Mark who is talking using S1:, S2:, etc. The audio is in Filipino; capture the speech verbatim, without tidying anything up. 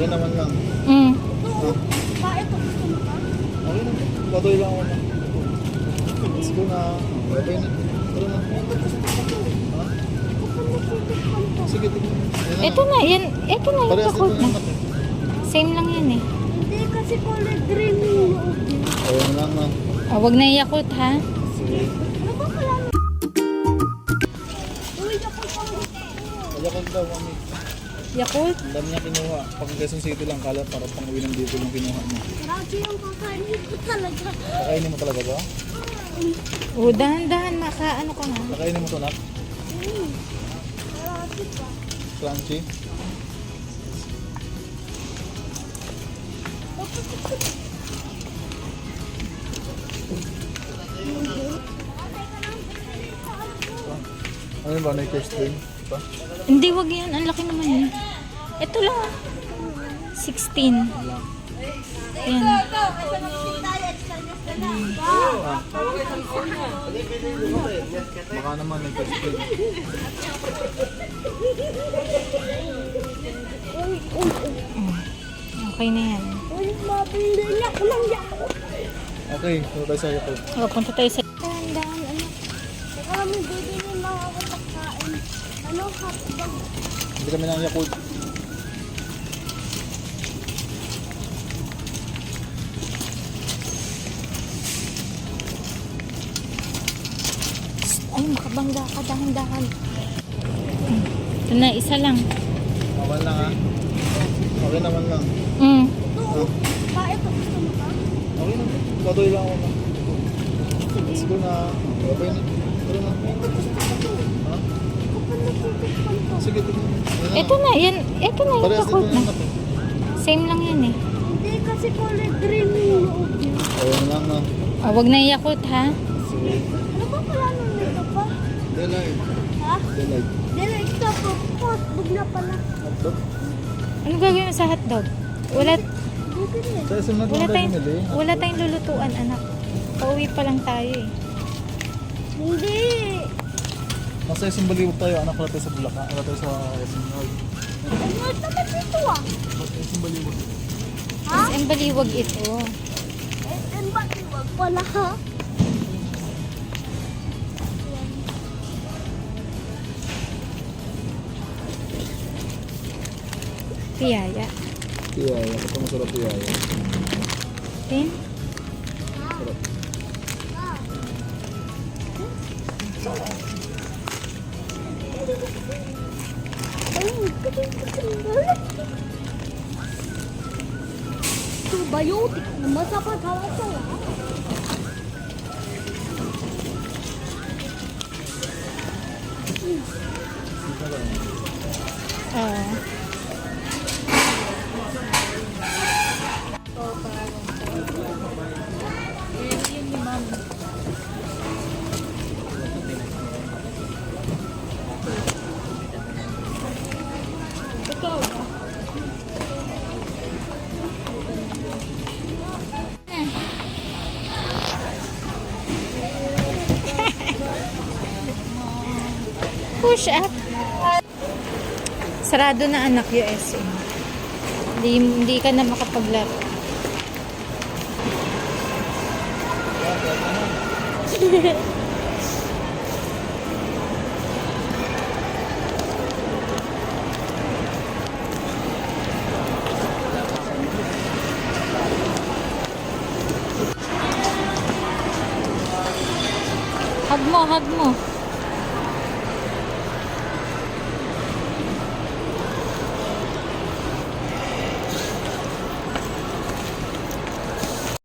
S1: Okay naman lang.
S2: Mm.
S1: Ah,
S3: Pa, ito gusto mo ka?
S1: okay naman. Patuloy lang ako na. Let's go na. Okay na. Tara na. Ha? Sige, tignan. Ayan na.
S2: Ito na, yan. Ito na yung
S1: Parehas dito
S2: Yakult
S1: na
S2: na.
S1: anak eh.
S2: Same lang yan eh.
S3: Hindi kasi kulay green yung loob niya.
S1: Ayan lang na.
S2: Ah, wag na yung Yakult ha.
S1: Sige.
S3: Ano ba kaya? Uy, ako pa
S1: Kaya ko daw, mami.
S2: Yakult?
S1: Ang dami niya kinuha. Pag Quezon City lang, kala para pang uwi ng dito yung kinuha mo.
S3: Grabe yung kakainin ko talaga.
S1: Kakainin mo talaga ba?
S2: O, dahan-dahan. Maka, ano ka nga.
S1: Kakainin mo to, nak?
S3: Mm. Grabe pa.
S1: Crunchy? Ano ba? Nakers din? Ito?
S2: Hindi, wag yan. Ang laki naman yan. Ito lang. ah. sixteen. Yan.
S1: Baka naman nakers din.
S3: Uy, uy, uy.
S2: Okay na yan.
S3: Uy, mabili niya ko lang yako.
S1: Okay, ito tayo sa Yakult.
S2: O, punta tayo sa... Dahan-dahan, ano.
S3: Teka lang, may bibili na ako pagkain. Ano, hotdog?
S1: Hindi kami ng Yakult.
S2: Ay, makabangga ka. Dahan-dahan. Ito na, isa lang.
S1: Okay lang ha? Okay naman lang.
S2: Mm.
S3: Ito, pa, ito gusto mo ka?
S1: Okay naman. Patuloy lang ako na. Let's go na. Okay na. Tara na. Ha?
S3: Kapag nagtitikpan ko.
S1: Sige, tignan. Ayan na.
S2: Ito na, yan. Ito na yung
S1: Parehas dito
S2: Yakult
S1: na
S2: na.
S1: anak eh.
S2: Same lang yan eh.
S3: Hindi kasi kulay green yung loob niya.
S1: Ayan lang na.
S2: Ah, wag na yung Yakult ha.
S1: Sige.
S3: Ano ba pala nung nito pa?
S1: Delight.
S3: Ha?
S1: Delight.
S3: Dili, ito po. Hotdog na pala.
S1: Hotdog.
S2: Ano gagawin mo sa hotdog? Wala,
S3: Bibili.
S1: Sa isang na
S2: wala
S1: tayo
S2: tayong,
S1: bumili.
S2: wala tayong lulutuan, anak. Pauwi pa lang tayo eh.
S3: Hindi.
S1: Nasa isang baliwag tayo. Anak wala tayo sa Bulacan. Wala tayo sa isang Nord.
S3: Ano naman dito ah?
S1: Nasa isang baliwag.
S3: Ha?
S2: Mas ang baliwag ito.
S3: Eh, eh, bakit wag pala ha?
S2: Piyaya.
S1: Tiyaya. Ito masarap tiyaya.
S2: Tin?
S1: Sarap.
S3: Ay, probiotic naman sa pagkakasala.
S2: Oo. Push up. Sarado na anak U S A. Hindi, hindi ka na makapaglaro. Hug mo, hug mo.